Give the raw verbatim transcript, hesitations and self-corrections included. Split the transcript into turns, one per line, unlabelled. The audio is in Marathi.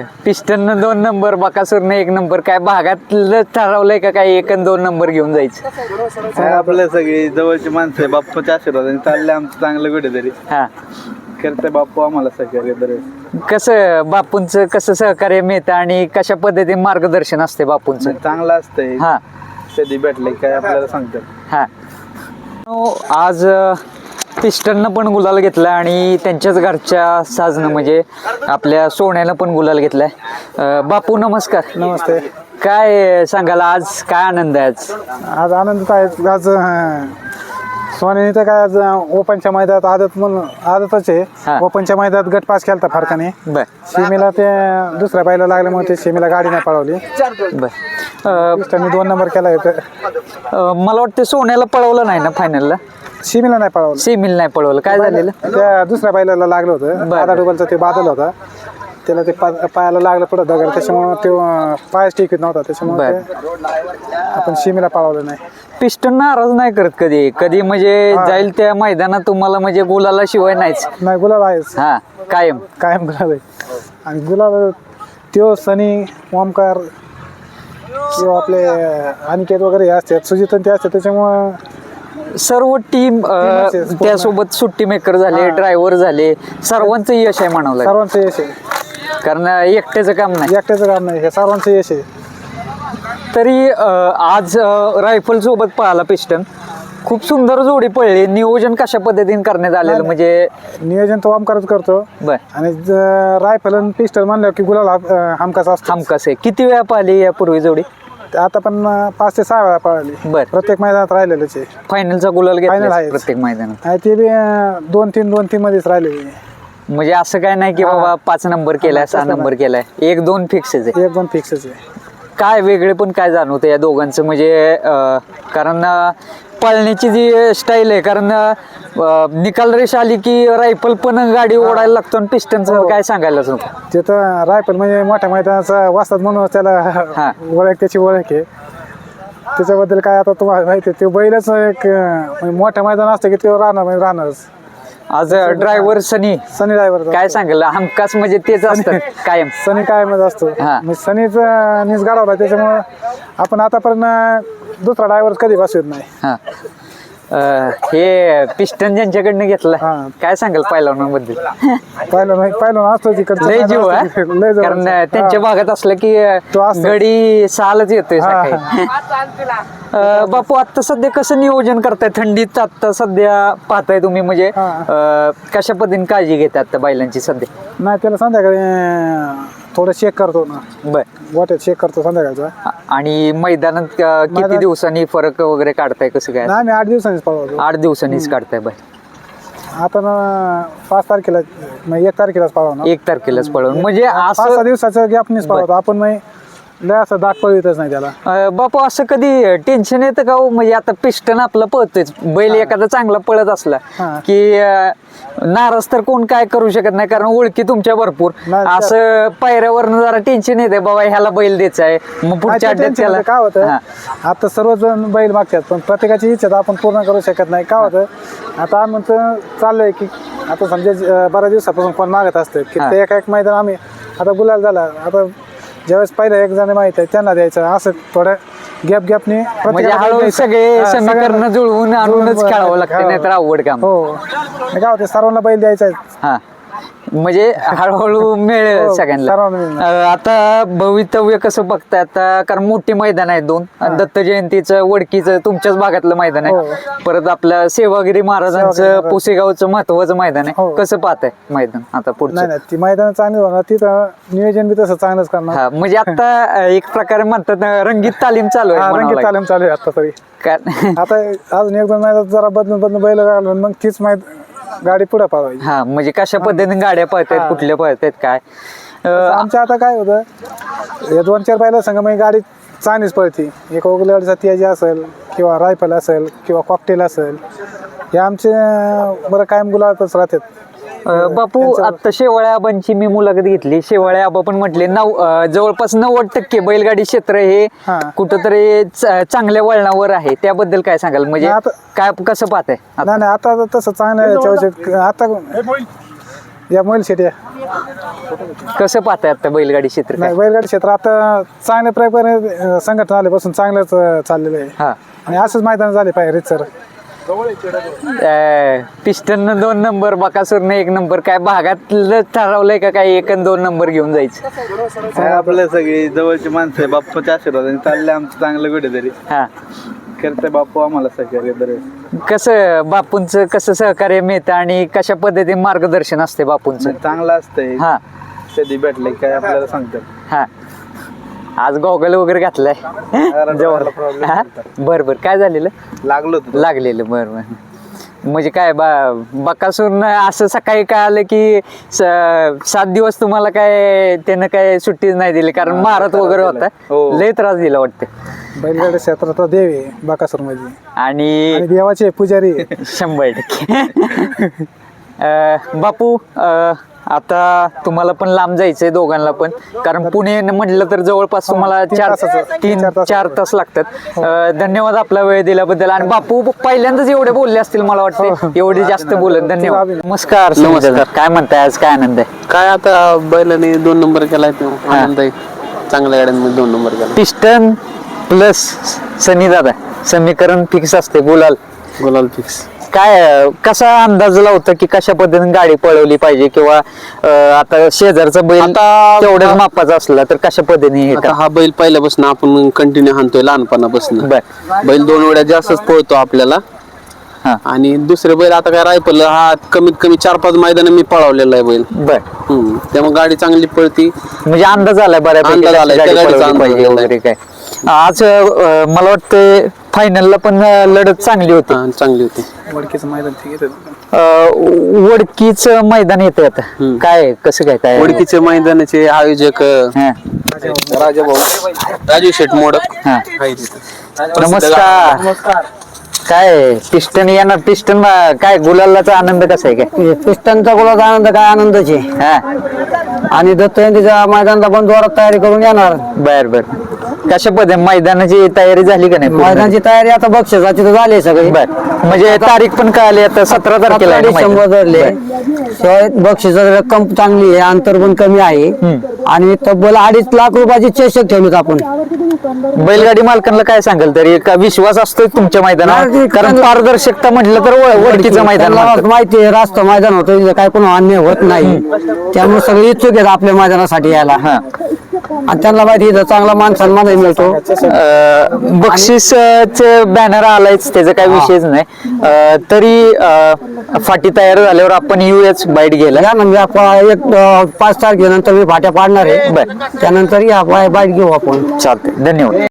पिस्टन दोन नंबर बकासूरनं एक नंबर, काय भागातलं ठरवलंय का काय एक आणि दोन नंबर घेऊन जायचं?
काय आपल्या सगळी जवळची माणसं आहे, बाप्पाच्या आशीर्वादाने चालले आमचं चांगलं कुठेतरी.
हा,
करते बाप्पू आम्हाला सहकार्य दर.
कसं बापूंचं कसं सहकार्य मिळतं आणि कशा पद्धतीने मार्गदर्शन असते बापूंचं?
चांगलं असतंय.
हा
कधी भेटले काय आपल्याला सांगतात.
हा, आज पिस्टननं पण गुलाल घेतला आणि त्यांच्याच घरच्या साजनं म्हणजे आपल्या सोन्यानं पण गुलाल घेतलाय. अं, बापू नमस्कार.
नमस्ते.
काय सांगाल आज, काय आनंद आहे आज?
आज आनंद आहे. आज अं, सोन्याने तर काय आज ओपनच्या मैदानात आदत म्हणून आदतच
हा.
आहे. ओपनच्या मैदानात गट पास केलता फरकाने.
बर
सीमेला ते दुसऱ्या बायला लागल्यामुळे ते सीमेला गाडी नाही पळवली.
बर. अं,
त्यांनी दोन नंबर केला होता.
अं, मला वाटतं सोन्याला पळवलं नाही ना फायनलला?
सीमेला नाही पळवलं.
सेमीला नाही पळवलं, काय झालेलं?
त्या दुसऱ्या बायला लागलं होतं.
बरं.
आधा डुबलचा ते बादल होता, त्याला ते पा- पायाला लागलं पुढं दगड, त्याच्यामुळे ते अं, पायच टिकत नव्हता, त्याच्यामुळे ते आपण सीमेला पळवलं नाही.
पिस्टन नाराज नाही करत कधी कधी म्हणजे जाईल त्या मैदानात तुम्हाला म्हणजे गुलाला शिवाय नाहीच?
नाही, गुलाल आहेच
हा, कायम
कायम गुलाल आहे. आणि गुलाल त्यो सनी ओमकार किंवा आपले अनिकेत वगैरे हे असतात, सुजित ते असतात, त्याच्यामुळं
सर्व टीम
Teamच आहे, पूर्ण.
त्यासोबत सुट्टी मेकर झाले,
हा.
ड्रायव्हर झाले, सर्वांचं यश आहे म्हणावं लागेल.
सर्वांचं यश आहे.
कारण एकट्याचं काम नाही.
एकट्याचं काम नाही, हे सर्वांचं यश आहे.
तरी अं, आज रायफल सोबत पळाला पिस्टन, खूप सुंदर जोडी पळली. नियोजन कशा पद्धतीने करण्यात आलेलं म्हणजे?
नियोजन तो ओमकारच करतो. बर. आणि रायफल आणि पिस्टल म्हणलं की गुलाल हा- अं, हमखास असतो.
हमखास आहे. किती वेळा पाहिली यापूर्वी जोडी?
ते आता पण अं, पाच ते सहा वेळा पळाली.
बर.
प्रत्येक मैदानात राहिलेलेच आहे.
फायनलचा गुलाल
Final
घेतला
आहेच.
प्रत्येक मैदानात.
आणि ते बी अं, दोन तीन दोन तीन मध्येच राहिलेले.
म्हणजे असं काय नाही की
हा.
बाबा पाच नंबर केलाय,
हा,
सहा
तसं
नंबर
नाही.
केलाय, एक दोन फिक्सच आहे.
एक दोन फिक्सच आहे.
काय वेगळे पण काय जाणवतं या दोघांचं म्हणजे अं, कारण अं, पळण्याची जी स्टाईल आहे, कारण अं, निकाल रेष आली की रायफल पण गाडी ओढायला लागतो आणि पिस्टनचं
हो.
काय सांगायलाच नको.
ते तर रायफल म्हणजे मोठ्या मैदानाचा वाजतात म्हणून त्याला
हा.
ओळख, त्याची ओळख आहे. त्याच्याबद्दल काय आता तुम्हाला माहिती आहे, ते बैलच एक अं, म्हणजे मोठ्या मैदान असतं की ते राहणार म्हणजे राहणारच.
आज ड्रायव्हर सनी
सनी ड्रायव्हर
काय सांगेल, हमखास म्हणजे तेच असतं कायम.
सनी कायमच असतो.
हा.
म्हणजे सनीच नीस गाडवला, त्याच्यामुळं आपण आतापर्यंत दुसरा ड्रायव्हर कधी बसवत नाही.
हा. अं, हे पिस्टन ज्यांच्याकडनं घेतलं,
हा.
काय सांगाल पैलवानांबद्दल?
पाहिलं नाही, पाहिलं असतो तिकडचं.
लय जीव हा?
लय जवळ.
कारण त्यांच्या
हा.
भागात असलं की
तो असतो.
गडी सालच येतोय
हा,
सकाळी. अं, बापू आता सध्या कसं नियोजन करताय? थंडीत आता सध्या पाहताय तुम्ही म्हणजे
हा.
अं, कशा पद्धतीने काळजी घेतात आता बैलांची सध्या?
नाही, त्याला संध्याकाळी अं, थोडं चेक करतो ना,
बर.
वाटेत चेक करतो संध्याकाळचा.
आणि मैदानात अं, किती
मैदानात-
दिवसांनी फरक वगैरे काढताय, कसं काय?
नाही, आम्ही आठ दिवसांनीच पळवतो.
आठ दिवसांनीच काढताय बाय?
आता ना पाच तारखेला म्हणजे एक तारखेलाच पळवणार.
एक तारखेलाच पळवून म्हणजे
पाच सहा
असं
दिवसाचं गॅपनीच पळवतो आपण. मग लय असं दाग पळवितच नाही त्याला.
अं, बापू असं कधी टेन्शन येतं का हो? म्हणजे आता पिस्टन आपलं पळतोच, बैल एखादा चांगला पळत असला
हा.
की अं, नाराज तर कोण काय करू शकत नाही, कारण ओळखी तुमच्या भरपूर.
नाही, त्या-
असं पायऱ्यावरनं जरा टेन्शन येते, बाबा ह्याला बैल द्यायचा आहे, मग पुढच्या
नाही, ते
अड्ड्यात
tension
त्याला
येतं. काय होतं,
हा.
आता सर्वजण बैल मागतात पण प्रत्येकाची इच्छा तर आपण पूर्ण करू शकत नाही. काय होतं, आता आम्ही चाललंय की आता समजा अं, बऱ्याच दिवसापासून कोण मागत असतं की
हा.
ते एका एक मैदान आम्ही आता गुलाल झाला, आता ज्यावेळेस पहिलं एक जण माहित आहे त्यांना द्यायचं, असं थोडं गॅप गॅपने
म्हणजे हळूहळू सगळे समीकरण जुळवून आणूनच खेळावं लागतं, नाहीतर अवघड काम.
हो. आणि काय होतं, सर्वांना बैल द्यायचा आहे.
हा, म्हणजे हळूहळू मिळेल
हो,
सगळ्यांना.
सर्वांना मिळणार.
अं, आता भवितव्य कसं बघताय आता, कारण मोठी मैदान आहे दोन, दत्त जयंतीचं, वडकीचं तुमच्याच भागातलं मैदान
हो.
आहे, परत आपलं सेवागिरी महाराजांचं
सेवागिरी
पुसेगावचं महत्वाचं मैदान आहे.
हो.
कसं पाहताय मैदान आता
नाही
पुढचं?
नाही, ती मैदान चांगली होणार, तिथं नियोजन बी तसं चांगलंच करणार.
हा, म्हणजे आता अं, एक प्रकारे म्हणतात ना, रंगीत तालीम चालू आहे
हा,
म्हणावं
रंगीत
लागेल.
तालीम चालू आहे आता तरी.
कारण
आता अजून एक दोन महिन्यात जरा बदलून बदलून बैल घालून मग तीच माहित गाडी पुढे पावायची.
हा, म्हणजे कशा पद्धतीने गाड्या पळतायत,
हा.
कुठल्या पळतायत काय? अं,
आमच्या आता काय होतं, या दोन चार बैला संग मग गाडी चांगलीच पळती. एक ओगलेवाडीचा तियाजी असेल किंवा रायफल असेल किंवा कॉकटेल असेल, हे आमचे अं, बरं कायम गुलाबच राहतात.
अं, बापू आता शेवाळ्या आबांची मी मुलाखत घेतली. शेवाळ्या आबा पण म्हटले नऊ अं, जवळपास नव्वद टक्के बैलगाडी क्षेत्र हे
हा.
कुठंतरी च- चांगल्या वळणावर आहे. त्याबद्दल काय सांगाल, म्हणजे
नाही, आता-
काय कसं पाहताय आता?
नाही नाही, आता तसं चांगलं आहे याच्याविषयी. आता या मोबाईल शेट या
कसं पाहताय आता बैलगाडी क्षेत्र
नाही बैलगाडी क्षेत्र आता चांगल्या प्रकारे संघटना आल्यापासून चांगलंच अं, चाललेलं आहे
हा
आणि असंच मैदान झाले पाहिजे सर.
पिस्टन दोन नंबर बकासूरने एक नंबर काय भागातलं ठरवलंय का काय एक आणि दोन नंबर घेऊन जायचं?
काय आपल्या सगळी जवळची माणसं आहे बाप्पाच्या आशीर्वादाने चालले आमचं चांगलं कुठेतरी
हा
करते बाप्पू आम्हाला सहकार्य दरवेळेस.
कसं बापूंचं कसं सहकार्य मिळतं आणि कशा पद्धतीने मार्गदर्शन असते बापूंचं?
चांगलं असतंय
हा
कधी भेटले काय आपल्याला सांगतात.
हा आज गॉगल वगैरे घातलाय जवळ
problem
हा? बर बर काय झालेलं?
लागलो होतो
लागलेलं बर बर म्हणजे काय बा बकासूर असं सकाळी काय आलं की स- सात दिवस तुम्हाला काय त्यानं काय सुट्टीच नाही दिली कारण महारात वगैरे होता
हो.
लय त्रास दिला वाटतं
बैलगाडी क्षेत्रात देव आहे बाकासूर मध्ये
आणि
आणि देवाचे पुजारी आहे.
शंभर टक्के अं, बापू अं, आता तुम्हाला पण लांब जायचंय दोघांना पण कारण पुणे म्हटलं तर जवळपास तुम्हाला
तीन
चार
तासाचं-
तीन
चार तासाचं.
चार तास लागतात अं, धन्यवाद आपला वेळ दिल्याबद्दल आणि बापू पहिल्यांदाच एवढे बोलले असतील मला वाटतं एवढे जास्त बोलत धन्यवाद. नमस्कार नमस्कार काय म्हणताय आज काय आनंद आहे?
काय आता बैलाने दोन नंबर केलाय तो आनंद आहे. चांगल्या गाड्यांमध्ये दोन नंबर केला.
पिस्टन प्लस सनी दादा समीकरण फिक्स असते गुलाल
गुलाल फिक्स.
काय अं, कसा अंदाज लावता की कशा पद्धतीने गाडी पळवली पाहिजे किंवा अं, आता शेजारचा बैल
आता-
तेवढ्याच मापाचा असला तर कशा पद्धतीने हे
आता
का
हा बैल पहिल्यापासून आपण कंटिन्यू हाणतोय लहानपणापासून.
बर
बैल दोन वेळा जास्तच पळतो आपल्याला.
हा
आणि दुसरे बैल आता काय रायफल हा कमीत कमी चार पाच मैदान मी पळवलेला आहे बैल.
बर
हम्म. त्यामुळे गाडी चांगली पळती.
म्हणजे अंदाज आलाय बऱ्यापैकी
अंदाज
कशी
आलाय,
गाडी
त्या गाडीचा
पळवली
अंदाज
पाहिजे
आलाय.
वगैरे काय आज अं, मला वाटतं फायनलला पण अं, लढत चांगली होती
हा, चांगली होती.
वडकीचं मैदान ते घेतात.
अं, वडकीच मैदान येते आता
हम्म.
काय कसं काय काय
ओळखीचे मैदानाचे आयोजक
हा,
राजा भाऊ राजू शेठ मोडक
हा.
आहे तिथं.
नमस्कार काय पिस्टन येणार पिस्टन काय गुलालाचा आनंद कसा आहे काय?
पिस्टनचा गुलाचा आनंद काय आनंदच आहे
हा
आणि दत्त जयंतीच्या मैदानाला पण जोरात तयारी करून येणार.
बर बर कशा पद्धती मैदानाची तयारी झाली का नाही पूर्ण?
मैदानाची तयारी आता बक्षिसाची तर झाली सगळी.
बर म्हणजे तारीख पण कळाली आता सतरा तारखेला आहे ना
डिसेंबर
मैदान?
धरले शिवाय बक्षिसाची रक्कम चांगली आहे अंतर पण कमी आहे आणि तब्बल अडीच लाख रुपयाची चषक ठेवलीत आपण.
बर. बैलगाडी मालकांना काय सांगाल तरी एक विश्वास असतोय तुमच्या मैदानावर
नाही,
कारण पारदर्शकता म्हटलं तर व- वडकीचं मैदान
त्यांना
म्हणतात.
माहिती आहे रास्त मैदान होतं तिथं काय कोण अन्याय होत नाही त्यामुळे सगळे इच्छुक आहेत आपल्या मैदानासाठी यायला.
हा
आणि त्यांना माहिती इथं चांगला मान सन्मान मिळतो.
अं, बक्षीसच बॅनर आलायच त्याचा काही विषयच नाही अं, तरी अं, फाटी तयार झाल्यावर आपण येऊयाच बाईट घ्यायला.
या म्हणजे आपण एक अं, पाच तारखेनंतर मी फाट्या पाडणार आहे
बर.
त्यानंतर या बाईट घेऊ आपण.
चालतंय धन्यवाद.